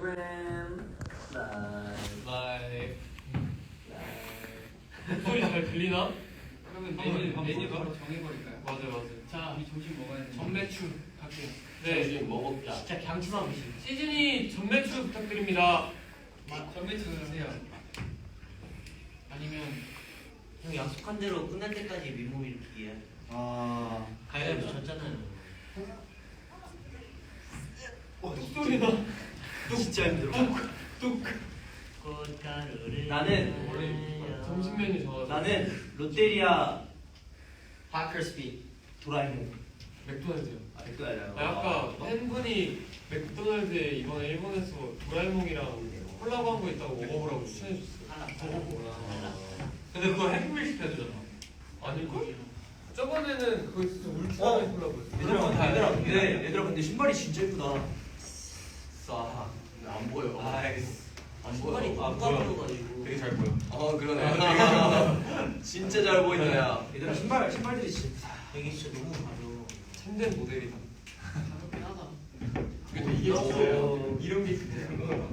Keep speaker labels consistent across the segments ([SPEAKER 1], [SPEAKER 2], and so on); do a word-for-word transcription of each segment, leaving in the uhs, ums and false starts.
[SPEAKER 1] 프로그램 라이브
[SPEAKER 2] 라이브 목소리 잘 들리나?
[SPEAKER 3] 그러면 메뉴 메뉴 바로 정해버릴까요?
[SPEAKER 2] 맞아 맞아.
[SPEAKER 3] 자, 우리 점심 먹어야 돼.
[SPEAKER 2] 전매추 갈게요. 네.
[SPEAKER 1] 점심 뭐 먹자.
[SPEAKER 4] 진짜 강추만 보시.
[SPEAKER 2] 시즌이 전매추 부탁드립니다.
[SPEAKER 3] 전매추 주세요.
[SPEAKER 4] 아니면 형 약속한 대로 끝날 때까지 밀몸 일으키기야.
[SPEAKER 1] 아
[SPEAKER 4] 가위바위보 졌잖아요.
[SPEAKER 2] 어, 뚝소리나.
[SPEAKER 1] 진짜 힘들어.
[SPEAKER 2] 뚝.
[SPEAKER 4] 꽃가루를
[SPEAKER 1] 나는
[SPEAKER 2] 원래 점심 메뉴 좋아.
[SPEAKER 1] 나는 롯데리아 파커스피 도라에몽.
[SPEAKER 2] 맥도날드요.
[SPEAKER 1] 아 맥도날드.
[SPEAKER 2] 아, 아까 팬분이 맥도날드에 이번에 일본에서 도라에몽이랑 콜라보한 거 있다고 먹어보라고 추천해줬어요. 먹어보라.
[SPEAKER 5] 근데 그거 해피밀 시켜야 되잖아.
[SPEAKER 2] 아닐걸? 저번에는 그거 진짜 울트라맨
[SPEAKER 1] 어?
[SPEAKER 2] 콜라보였어.
[SPEAKER 1] 얘들아 얘들아 근데 얘들아 근데 신발이 진짜 예쁘다. 싸. 안 보여.
[SPEAKER 5] 아이스.
[SPEAKER 1] 안
[SPEAKER 4] 신발이
[SPEAKER 1] 보여. 아
[SPEAKER 4] 안
[SPEAKER 1] 보여.
[SPEAKER 4] 가려가지고.
[SPEAKER 5] 되게 잘 보여.
[SPEAKER 1] 어 그러네. 진짜 잘 보인다 야. 얘들아 신발 신발들이 진짜.
[SPEAKER 4] 여기 진짜 너무 가려.
[SPEAKER 2] 참된 모델이다.
[SPEAKER 3] 가볍긴 하다.
[SPEAKER 2] 근데 이게 진짜예요.
[SPEAKER 1] 이런 게 진짜야.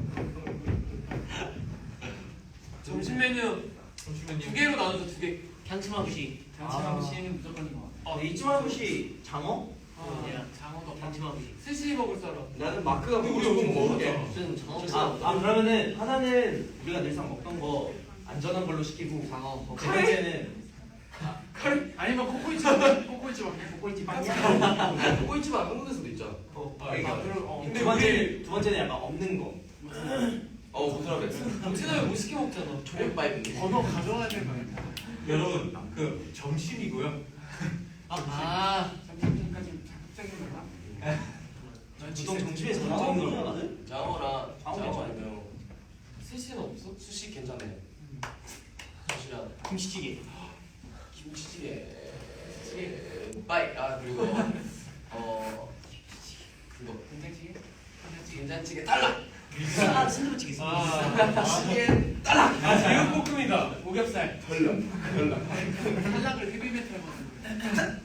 [SPEAKER 2] 점심 메뉴 두 개로 나눠서 두 개.
[SPEAKER 4] 향치마부시.
[SPEAKER 3] 장치마무시는 무조건인 것 같아.
[SPEAKER 2] 아,
[SPEAKER 1] 이치마부시 장어?
[SPEAKER 3] 아, 장어도
[SPEAKER 4] 향치마부시.
[SPEAKER 2] 스시 먹을 사람.
[SPEAKER 1] 나는 마크가
[SPEAKER 5] 우리
[SPEAKER 1] 먹고 싶은 거
[SPEAKER 5] 이거
[SPEAKER 1] 먹을게.
[SPEAKER 5] 먹었잖아.
[SPEAKER 4] 무슨 장어.
[SPEAKER 1] 아, 아 그러면은 하나는 우리가 늘상 먹던 거 안전한 걸로 시키고
[SPEAKER 4] 장어.
[SPEAKER 1] 세 번째는
[SPEAKER 3] 아니면 코코이치 코코이치 먹게.
[SPEAKER 1] 꼬이집 빵이야.
[SPEAKER 5] 꼬이집 안 먹는 데서도 있잖아.
[SPEAKER 1] 어,
[SPEAKER 2] 아,
[SPEAKER 1] 그러니까.
[SPEAKER 2] 아, 그럼, 어.
[SPEAKER 1] 두 번째 두 번째는 약간 없는 거.
[SPEAKER 5] 어, 무슨하게
[SPEAKER 2] 점심을 못 시켜 먹잖아.
[SPEAKER 5] 조개바이브.
[SPEAKER 3] 번호 가져와야 될 거 아니야.
[SPEAKER 5] 여러분, 그 점심이고요.
[SPEAKER 3] 아, 점심까지 자극적인 거다.
[SPEAKER 1] 보통 점심에서 먹는 거 나는?
[SPEAKER 5] 장어랑
[SPEAKER 1] 장어
[SPEAKER 5] 장어
[SPEAKER 1] 아니면
[SPEAKER 5] 아니면
[SPEAKER 2] 스시는 없어?
[SPEAKER 5] 수시 괜찮네. 수시랑
[SPEAKER 1] 김치찌개.
[SPEAKER 5] 김치찌개. 바이. 아 그리고 어 그거
[SPEAKER 3] 된장찌개?
[SPEAKER 5] 된장찌개 달라.
[SPEAKER 4] 아, 순두부찌개 있어.
[SPEAKER 2] 아,
[SPEAKER 5] 찌개
[SPEAKER 2] 아 제육볶음이다.
[SPEAKER 3] 오겹살.
[SPEAKER 5] 달라. 달라.
[SPEAKER 3] 탈락을 헤비메탈 먹는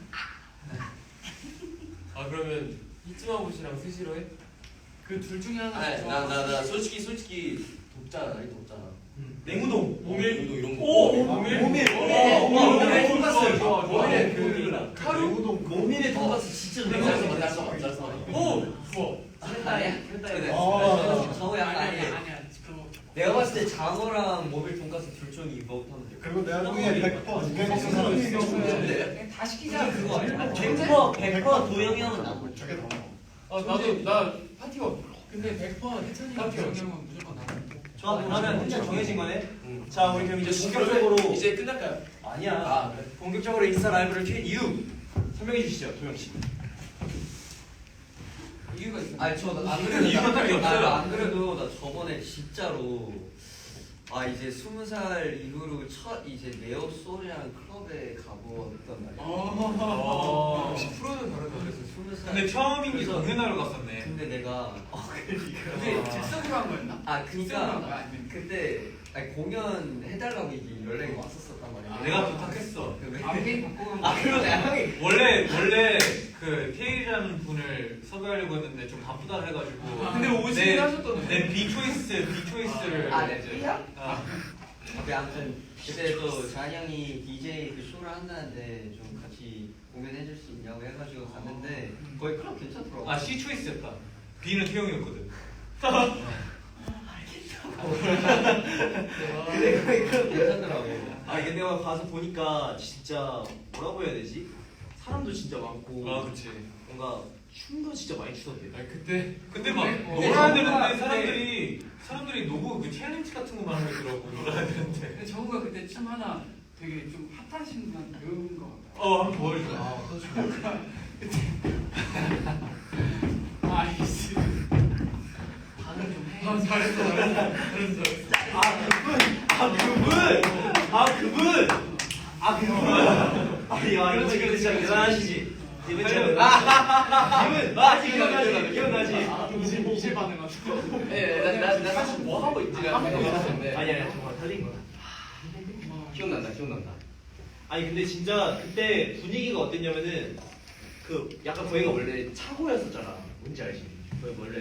[SPEAKER 2] 아 그러면 이츠마부시랑 스시로 해?
[SPEAKER 3] 그 둘 중에 하나.
[SPEAKER 5] 아니 나나 나 솔직히 솔직히 돕잖아. 나이 돕잖아.
[SPEAKER 1] 냉우동.
[SPEAKER 2] 모밀?
[SPEAKER 5] 이거 이런 거.
[SPEAKER 2] 오! 모밀?
[SPEAKER 1] 모밀.
[SPEAKER 2] 오,
[SPEAKER 1] 모밀.
[SPEAKER 2] 모밀.
[SPEAKER 1] 돈가스.
[SPEAKER 2] 좋아, 좋아.
[SPEAKER 1] 모밀.
[SPEAKER 2] 그
[SPEAKER 1] 카루. 모밀의 돈가스 진짜
[SPEAKER 5] 잘
[SPEAKER 1] 좋아.
[SPEAKER 5] 써, 잘 써, 잘 써.
[SPEAKER 2] 오! 좋아.
[SPEAKER 4] 아니야?
[SPEAKER 5] 그래.
[SPEAKER 1] 아.
[SPEAKER 4] 장어 약간
[SPEAKER 3] 아니야
[SPEAKER 4] 아니야.
[SPEAKER 3] 아니야. 그거
[SPEAKER 4] 내가 봤을 때 장어랑 모밀 돈가스 둘 중에 이거 하면 돼.
[SPEAKER 6] 그리고 내가 중에 백 퍼센트 두개 먹는 사람 있어.
[SPEAKER 5] 근데
[SPEAKER 3] 다 시키자.
[SPEAKER 4] 그거 아니야?
[SPEAKER 3] 백
[SPEAKER 4] 백 퍼센트 백 퍼센트 도영이 형은 나고.
[SPEAKER 6] 저게 더 먹어.
[SPEAKER 2] 아 나도 나 파티가
[SPEAKER 3] 근데 백 퍼센트 해찬이랑
[SPEAKER 2] 오케이, 오케이.
[SPEAKER 3] 정경은 무조건 나와.
[SPEAKER 1] 좋아 그러면 일단 정해진 거네.
[SPEAKER 5] 응.
[SPEAKER 1] 자 우리 그럼 이제
[SPEAKER 5] 이제
[SPEAKER 1] 본격적으로
[SPEAKER 5] 본격적으로 이제 끝날까요?
[SPEAKER 1] 아니야.
[SPEAKER 5] 아 그래.
[SPEAKER 1] 본격적으로 인스타 라이브를 켠 이유 설명해 주시죠 도영 씨.
[SPEAKER 3] 이유가 있어.
[SPEAKER 4] 아니 저안
[SPEAKER 1] 이유가
[SPEAKER 4] 그래도
[SPEAKER 1] 딱히 없어요.
[SPEAKER 4] 나- 안 그래도 나 저번에 진짜로 아 이제 스무 살 이후로 첫 이제 네오 소리랑 클럽에 가보았단 말이야.
[SPEAKER 2] 아, 역시 프로는 다르다.
[SPEAKER 4] 그래서 스무 살.
[SPEAKER 5] 근데 처음인 게
[SPEAKER 4] 그래서-
[SPEAKER 5] 공연하러 갔었네.
[SPEAKER 4] 근데 내가 어 그러니까.
[SPEAKER 3] 근데 즉석으로 한 거였나?
[SPEAKER 4] 아
[SPEAKER 3] 즉석으로 한 거야
[SPEAKER 4] 그니까
[SPEAKER 3] 아니면?
[SPEAKER 4] 그때 아니 공연 해달라고 이게 연락이 왔었었단 말이야.
[SPEAKER 3] 아.
[SPEAKER 5] 내가 부탁했어.
[SPEAKER 4] 그 왜-
[SPEAKER 3] 아 게임 바꾸고.
[SPEAKER 4] 아 그러네 형이.
[SPEAKER 5] 원래 원래 그 테일이라는 분을 섭외하려고 했는데 좀 바쁘다 해가지고.
[SPEAKER 2] 근데 오시긴
[SPEAKER 5] 내-
[SPEAKER 2] 하셨던데.
[SPEAKER 5] 내 비초이스 비초이스를
[SPEAKER 4] 아, 네.
[SPEAKER 5] 이제.
[SPEAKER 4] B야?
[SPEAKER 5] 아,
[SPEAKER 4] 근데 아무튼 그때 또 잔이 형이 디제이 그 쇼를 한다는데 좀 같이 공연해줄 수 있냐고 해가지고 갔는데 거기 클럽 괜찮더라고.
[SPEAKER 5] 아 C 초이스였다. B는 태용이었거든.
[SPEAKER 4] 근데 거기 클럽 괜찮더라고.
[SPEAKER 1] 아 이게 내가 가서 보니까 진짜 뭐라고 해야 되지? 사람도 진짜 많고
[SPEAKER 5] 아 그렇지.
[SPEAKER 1] 뭔가 춤도 진짜 많이 추던데.
[SPEAKER 2] 아 그때
[SPEAKER 5] 근데 막
[SPEAKER 3] 근데-
[SPEAKER 5] 놀아야
[SPEAKER 3] 근데
[SPEAKER 5] 되는데
[SPEAKER 3] 근데-
[SPEAKER 5] 사람들이 사람들이 노고 그 챌린지 같은 거만 하고 있더라고. 놀아야 되는데.
[SPEAKER 3] 근데 정우가 그때 춤 하나 되게 좀 핫하신 분 배운 거 같아.
[SPEAKER 5] 어 한번 보여줘.
[SPEAKER 3] 아이씨. 반응 좀 해.
[SPEAKER 2] 아 잘했어 잘했어 잘했어.
[SPEAKER 1] 아 그분! 아 그분! 아 그분! 아 그분! 아야 이분 지금 진짜 대단하시지. 이분 진짜 이분 맞지 기억나지 기억나지.
[SPEAKER 3] 이제 이제 반응하셔.
[SPEAKER 5] 예나나 사실 뭐 하고 있지라는 생각이 들었는데.
[SPEAKER 1] 아니 아니 정말 틀린 거야.
[SPEAKER 5] 기억난다 기억난다.
[SPEAKER 1] 아니 근데 진짜 그때 분위기가 어땠냐면은 그 약간 거기가 원래 차고였었잖아. 뭔지 알지? 거기 원래 막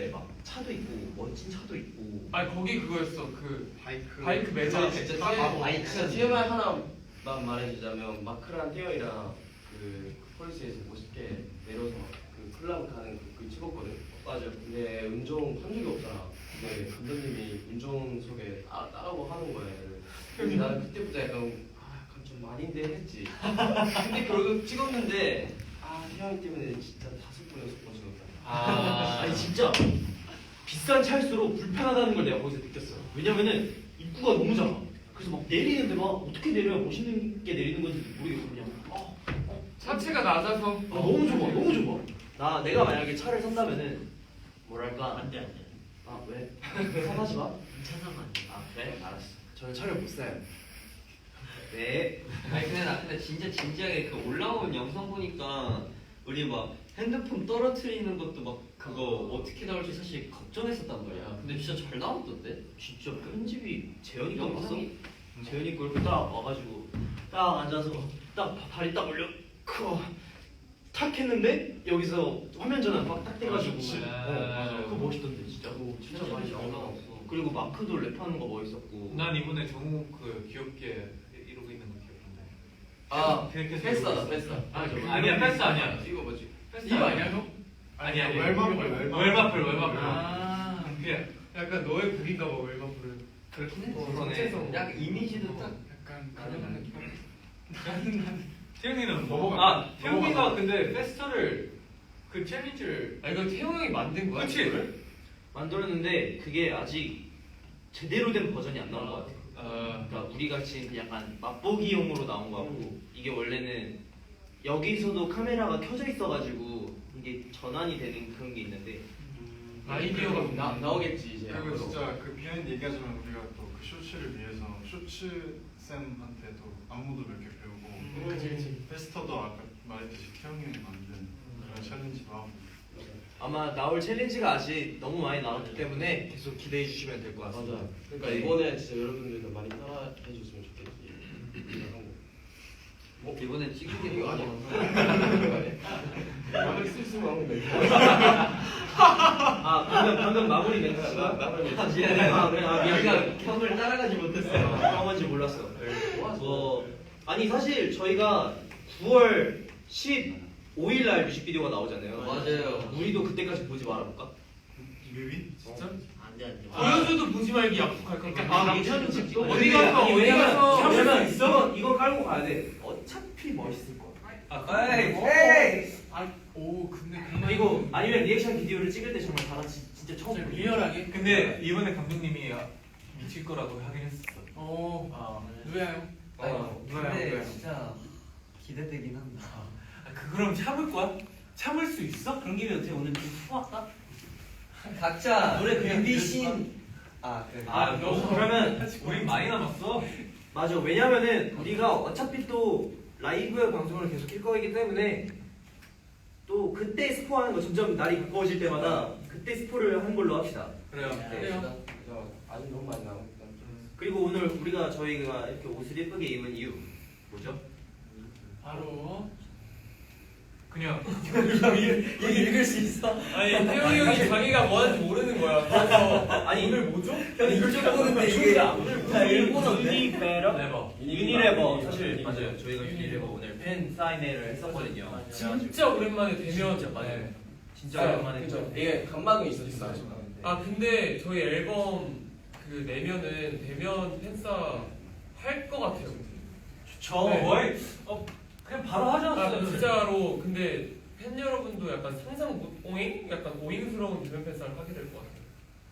[SPEAKER 1] 차도 있고 멋진 차도 있고.
[SPEAKER 2] 아니 거기 그거였어 그
[SPEAKER 6] 바이크.
[SPEAKER 2] 바이크 매장
[SPEAKER 7] 진짜
[SPEAKER 2] 아,
[SPEAKER 7] 아,
[SPEAKER 4] 바이크.
[SPEAKER 7] 진짜 티엠아이 하나만 말해주자면 마크랑 태영이랑 그 폴리스에서 멋있게 내려서 그 클럽 가는 그, 그 찍었거든. 맞아. 근데 운전 한 적이 없잖아. 근데 감독님이 운전석에 따, 따라고 하는 거야. 얘를. 근데 나는 그때부터 약간 아 약간 좀 많이인데 했지. 근데 결국 찍었는데 아 태영이 때문에 진짜 다섯 번 여섯 번 찍었다.
[SPEAKER 1] 아, 아니 진짜 비싼 차일수록 불편하다는 걸 내가 거기서 느꼈어. 왜냐면은 입구가 너무 작아. 그래서 막 내리는데 막 어떻게 내려야 멋있는 게 내리는 건지 모르겠어. 그냥 아,
[SPEAKER 2] 차체가 낮아서
[SPEAKER 1] 아, 너무 좁아, 너무 좁아. 나 내가 만약에 차를 산다면은 뭐랄까?
[SPEAKER 8] 안돼 안돼.
[SPEAKER 1] 아 왜? 사가지 마.
[SPEAKER 8] 차 사면 안돼.
[SPEAKER 1] 아 그래? 알았어. 저는 차를 못 사요. 네.
[SPEAKER 4] 아니 근데 나 근데 진짜 진지하게 그 올라온 영상 보니까 우리 막 핸드폰 떨어뜨리는 것도 막 그거 어떻게 나올지 사실 걱정했었단 말이야. 근데 진짜 잘 나왔던데?
[SPEAKER 1] 진짜 편집이 재현이 거 봤어?
[SPEAKER 4] 영상이
[SPEAKER 1] 재현이 거 이렇게 딱 와가지고 딱 앉아서 딱 바- 다리 딱 올려 탁 했는데 여기서 화면 전환 막딱 돼가지고
[SPEAKER 6] 그치.
[SPEAKER 1] 어, 그거 멋있던데 진짜.
[SPEAKER 7] 오, 진짜 많이 잘 나왔어.
[SPEAKER 1] 그리고 마크도 랩하는 거 멋있었고.
[SPEAKER 5] 난 이번에 정우 그 귀엽게 이러고 있는 거 귀엽던데.
[SPEAKER 7] 아
[SPEAKER 5] 그렇게
[SPEAKER 7] 패스다 패스.
[SPEAKER 2] 아, 저-
[SPEAKER 5] 아니야 패스 아니야.
[SPEAKER 7] 이거 뭐지?
[SPEAKER 2] 이거 아니야 형?
[SPEAKER 5] 아니 아니.
[SPEAKER 6] 웰마플, 웰마플.
[SPEAKER 5] 웰마플 웰마플.
[SPEAKER 2] 아
[SPEAKER 5] 그냥
[SPEAKER 2] 약간 너의 곡인가 봐 웰마플은
[SPEAKER 4] 그렇긴 해.
[SPEAKER 2] 어, 전체적으로.
[SPEAKER 4] 약간 이미지도 딱
[SPEAKER 3] 약간
[SPEAKER 4] 가능한 느낌.
[SPEAKER 5] 태영이는
[SPEAKER 6] 넘어가-
[SPEAKER 5] 아 태영이가
[SPEAKER 6] 넘어가.
[SPEAKER 5] 근데 페스터를 그 챌린지를
[SPEAKER 2] 아 이거 태용 형이 만든 거야?
[SPEAKER 5] 그치?
[SPEAKER 2] 이거를?
[SPEAKER 1] 만들었는데 그게 아직 제대로 된 버전이 안 나온 것 같아.
[SPEAKER 5] 아
[SPEAKER 1] 그러니까 우리 같이 약간 맛보기용으로 나온 거 같고 이게 원래는 여기서도 카메라가 켜져 있어가지고 이게 전환이 되는 그런 게 있는데
[SPEAKER 2] 아이디어가
[SPEAKER 7] 나 나오겠지 이제.
[SPEAKER 6] 그리고 진짜 그 비하인드 얘기하자면 우리가 또 그 쇼츠를 위해서 쇼츠 쌤한테도 안무도 몇 개 배우고
[SPEAKER 2] 음, 그치, 그치.
[SPEAKER 6] 페스터도 아까 말했듯이 태영이 형이 만든 그런 챌린지도 하고
[SPEAKER 1] 아마 나올 챌린지가 아직 너무 많이 나왔기 때문에 계속 기대해 주시면 될 것 같습니다.
[SPEAKER 7] 맞아. 그러니까 이번에 진짜 여러분들도 많이 따라해 줬으면 좋겠지.
[SPEAKER 4] 뭐 이번에 찍은 게
[SPEAKER 7] 이거
[SPEAKER 4] 너무
[SPEAKER 7] 아니야? 막을 수 있으면 하면 돼.
[SPEAKER 1] 아 방금 방금 마무리 멘트가
[SPEAKER 4] 아, 미안해.
[SPEAKER 1] 아 그래 아 미안.
[SPEAKER 4] 우리가 형을 따라가지 못했어.
[SPEAKER 1] 그런 건지 몰랐어. 뭐 아니 사실 저희가 구월 십오일 날 뮤직비디오가 나오잖아요.
[SPEAKER 4] 맞아요.
[SPEAKER 1] 우리도 그때까지 보지 말아볼까?
[SPEAKER 6] 뮤비?
[SPEAKER 1] 진짜?
[SPEAKER 8] 안돼 안돼.
[SPEAKER 2] 보여줘도 보지 말기 약속할 거야.
[SPEAKER 1] 아 괜찮은지
[SPEAKER 2] 또 어디 가서
[SPEAKER 1] 아니,
[SPEAKER 2] 어디
[SPEAKER 1] 왜냐면
[SPEAKER 2] 가서
[SPEAKER 1] 왜냐면
[SPEAKER 2] 참을 수 있어?
[SPEAKER 1] 이거 이거 깔고 가야 돼. 어차피 멋있을 거야.
[SPEAKER 4] 아, 에이, 에이.
[SPEAKER 3] 아오 근데 그만
[SPEAKER 1] 그리고 아니면 리액션 비디오를 찍을 때 정말 다 같이 진짜 처음 보는 거야.
[SPEAKER 3] 리얼하게
[SPEAKER 5] 근데 이번에 감독님이 미칠 거라고 하긴 했었어.
[SPEAKER 3] 어
[SPEAKER 5] 아,
[SPEAKER 3] 누구야요?
[SPEAKER 4] 아니,
[SPEAKER 5] 누가요,
[SPEAKER 4] 근데
[SPEAKER 5] 누가요?
[SPEAKER 4] 진짜 기대되긴 한다.
[SPEAKER 5] 아, 그 그럼 참을 거야? 참을 수 있어?
[SPEAKER 8] 그런 김에 어떻게 오늘 좀 수학까?
[SPEAKER 4] 각자
[SPEAKER 8] 노래 그냥
[SPEAKER 4] 뮤비
[SPEAKER 8] 들을까?
[SPEAKER 4] 씬. 아 그래.
[SPEAKER 1] 아 너, 그러면
[SPEAKER 5] 우린 많이 남았어.
[SPEAKER 1] 맞아. 왜냐면은 우리가 어차피 또 라이브 방송을 계속 킬 거이기 때문에 또 그때 스포하는 거 점점 날이 가까워질 때마다 그때 스포를 하는 걸로 합시다.
[SPEAKER 5] 그래요.
[SPEAKER 3] 그래요.
[SPEAKER 7] 아직 너무 많이 남았다.
[SPEAKER 1] 그리고 오늘 우리가 저희가 이렇게 옷을 예쁘게 입은 이유 뭐죠?
[SPEAKER 3] 바로
[SPEAKER 5] 그냥
[SPEAKER 4] 이거 읽을 수 있어?
[SPEAKER 2] 아니 태용이 형이 자기가 뭐 하는지 모르는 거야. 그래서
[SPEAKER 1] 아니
[SPEAKER 2] 오늘 뭐죠?
[SPEAKER 4] 형 이걸 좀 보는데 이게 다 일본어인데?
[SPEAKER 1] 유니레버
[SPEAKER 5] 레버.
[SPEAKER 1] 유니레버 사실 맞아요. 저희가 유니레버 오늘 팬 사인회를 했었거든요.
[SPEAKER 2] 진짜 오랜만에 대면
[SPEAKER 1] 진짜 맞아요.
[SPEAKER 2] 네.
[SPEAKER 1] 진짜 오랜만에
[SPEAKER 7] 그죠.
[SPEAKER 1] 했죠.
[SPEAKER 7] 이게 감방이 있었어.
[SPEAKER 2] 아 근데 저희 앨범 그 내면은 대면 팬싸 할 것 같아요.
[SPEAKER 1] 저
[SPEAKER 2] 네.
[SPEAKER 5] 거의 어 그냥 바로 하지
[SPEAKER 2] 아
[SPEAKER 5] 않았어요.
[SPEAKER 2] 진짜로 근데 팬 여러분도 약간 상상 못 오잉? 약간 오잉스러운 대면 팬싸를 하게 될 것 같아요.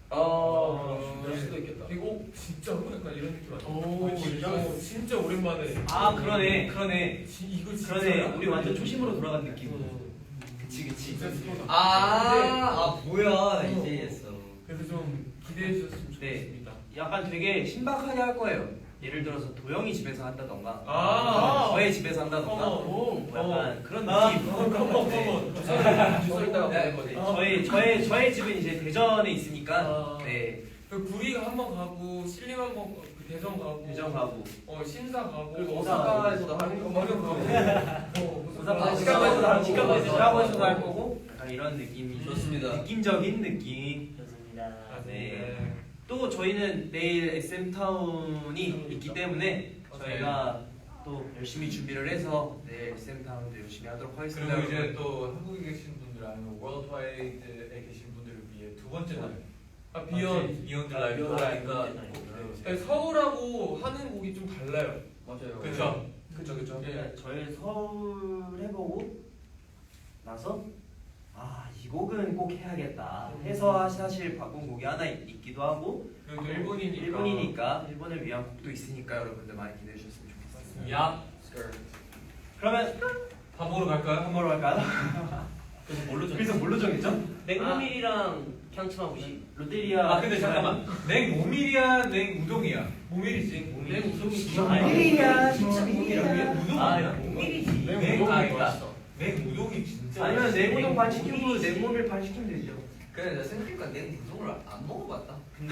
[SPEAKER 7] 아, 그럴 수도 있겠다.
[SPEAKER 2] 그리고 어, 진짜로 약간 이런 느낌 아니야?
[SPEAKER 3] 오,
[SPEAKER 2] 진짜 어, 진짜 오랜만에.
[SPEAKER 1] 아 그러네 그러네
[SPEAKER 2] 지, 이거 진짜
[SPEAKER 1] 그러네 우리 완전 초심으로 돌아간 느낌.
[SPEAKER 2] 어,
[SPEAKER 1] 그치 그치.
[SPEAKER 2] 진짜 스포다.
[SPEAKER 4] 아,
[SPEAKER 2] 근데
[SPEAKER 4] 아 뭐야
[SPEAKER 2] 어.
[SPEAKER 4] 이제 이해했어.
[SPEAKER 2] 그래서 좀 기대해 주셨으면
[SPEAKER 1] 네.
[SPEAKER 2] 좋겠습니다.
[SPEAKER 1] 약간 되게 신박하게 할 거예요. 예를 들어서 도영이 집에서 한다던가
[SPEAKER 2] 아.
[SPEAKER 1] 저의 집에서 한다던가
[SPEAKER 2] 어머,
[SPEAKER 1] 뭐 약간 그런
[SPEAKER 2] 아,
[SPEAKER 1] 느낌.
[SPEAKER 2] 어머, 어머, 어머.
[SPEAKER 7] 주소 있다가
[SPEAKER 1] 네,
[SPEAKER 7] 보낸 거지.
[SPEAKER 1] 네, 저희 저의 저의 집은 이제 대전에 있으니까
[SPEAKER 2] 아.
[SPEAKER 1] 네
[SPEAKER 2] 그 구리가 한번 가고 신림 한번 가고 그 대전 가고
[SPEAKER 1] 대전 가고
[SPEAKER 2] 어 신사 가고
[SPEAKER 7] 그리고
[SPEAKER 1] 오사카
[SPEAKER 7] 오사카에서도 하는 거
[SPEAKER 2] 맞아
[SPEAKER 7] 말고.
[SPEAKER 2] 어,
[SPEAKER 1] 오사카
[SPEAKER 7] 아,
[SPEAKER 1] 시카고에서도 할
[SPEAKER 7] 시카고에서도
[SPEAKER 1] 시카고에서도
[SPEAKER 7] 하고.
[SPEAKER 1] 할 거고 약간 이런 느낌이
[SPEAKER 4] 좋습니다.
[SPEAKER 1] 느낌적인 느낌.
[SPEAKER 2] 네.
[SPEAKER 1] 또 저희는 내일 에스엠 타운이 있기 때문에 저희가 또 열심히 준비를 해서 내일 에스엠 타운도 열심히 하도록 하겠습니다.
[SPEAKER 5] 그리고 이제 또 한국에 계신 분들 아니면 월드와이드에 계신 분들을 위해 두 번째 날
[SPEAKER 2] 아 비욘
[SPEAKER 5] 비욘드
[SPEAKER 8] 아,
[SPEAKER 5] 라이브
[SPEAKER 8] 비욘드
[SPEAKER 5] 하니까
[SPEAKER 8] 라이브.
[SPEAKER 5] 꼭
[SPEAKER 2] 네, 서울하고 하는 곡이 좀 달라요.
[SPEAKER 7] 맞아요.
[SPEAKER 5] 그쵸?
[SPEAKER 2] 그쵸 그쵸.
[SPEAKER 1] 네, 저희 서울 해보고 나서 아 이 곡은 꼭 해야겠다 해서 사실 바꾼 곡이 하나 있, 있기도 하고
[SPEAKER 2] 그리고 또 일본이니까.
[SPEAKER 1] 일본이니까 일본을 위한 곡도 있으니까 여러분들 많이 기대해 주셨으면 좋겠습니다.
[SPEAKER 5] 야
[SPEAKER 1] 그러면
[SPEAKER 5] 밥 먹으러 갈까요?
[SPEAKER 1] 한 번로 할까요?
[SPEAKER 8] 그래서 뭘로
[SPEAKER 1] 그래서 뭘로 정했죠?
[SPEAKER 8] 냉모밀이랑 향치마무시.
[SPEAKER 1] 롯데리아.
[SPEAKER 5] 아 근데 잠깐만 냉 모밀이야 냉 우동이야 모밀이지
[SPEAKER 2] 냉 우동이
[SPEAKER 1] 모밀이야,
[SPEAKER 5] 진짜 모밀이야 우동
[SPEAKER 8] 아,
[SPEAKER 5] 아니야?
[SPEAKER 8] 모밀이지.
[SPEAKER 5] 냉 우동이 아니다
[SPEAKER 8] 맛있어.
[SPEAKER 5] 냉 우동이 진짜
[SPEAKER 1] 아니면
[SPEAKER 5] 맛있어.
[SPEAKER 1] 냉우동 반 시키고 냉모밀 반 시키면 되죠.
[SPEAKER 9] 그래 내가 생각해보니까 냉 우동을 안 먹어봤다.
[SPEAKER 1] 근데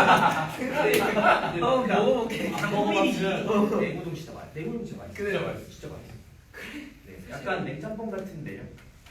[SPEAKER 8] 어, 먹어볼게.
[SPEAKER 1] 안 먹어봤으면 냉우동 진짜 맛. 냉우동 진짜 맛있어.
[SPEAKER 5] 진짜 맛있어.
[SPEAKER 1] 진짜 맛있어. 네, 약간 냉짬뽕 같은데요.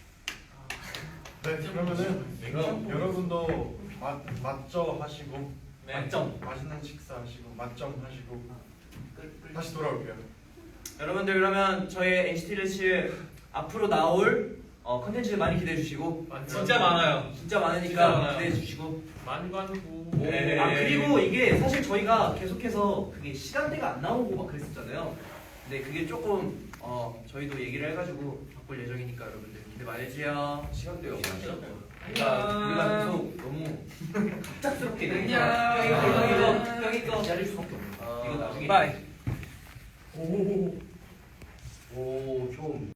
[SPEAKER 6] 네, 그러면은 그럼
[SPEAKER 5] 냉장고.
[SPEAKER 6] 여러분도 맛 맛점 하시고
[SPEAKER 5] 네.
[SPEAKER 1] 맛점.
[SPEAKER 6] 맛있는 식사하시고 맛점 하시고 다시 돌아올게요.
[SPEAKER 1] 여러분들 그러면 저희 엔시티 드래시 앞으로 나올 어, 컨텐츠 많이 기대해 주시고
[SPEAKER 5] 진짜 많아요.
[SPEAKER 1] 진짜 많으니까
[SPEAKER 5] 진짜 많아요.
[SPEAKER 1] 기대해 주시고
[SPEAKER 2] 만관부.
[SPEAKER 5] 네.
[SPEAKER 1] 아 그리고 이게 사실 저희가 계속해서 그게 시간대가 안 나오고 막 그랬었잖아요. 근데 그게 조금 어 저희도 얘기를 해가지고 바꿀 예정이니까 여러분들 기대 많이 해주세요.
[SPEAKER 7] 시간대요.
[SPEAKER 1] 우리가 우리가 계속 너무 갑작스럽게
[SPEAKER 8] 안녕.
[SPEAKER 1] 이거 이거 이거 이거 기다릴 수밖에 없는 거야. 이거 나중에
[SPEAKER 2] 바이.
[SPEAKER 7] 오, 좀.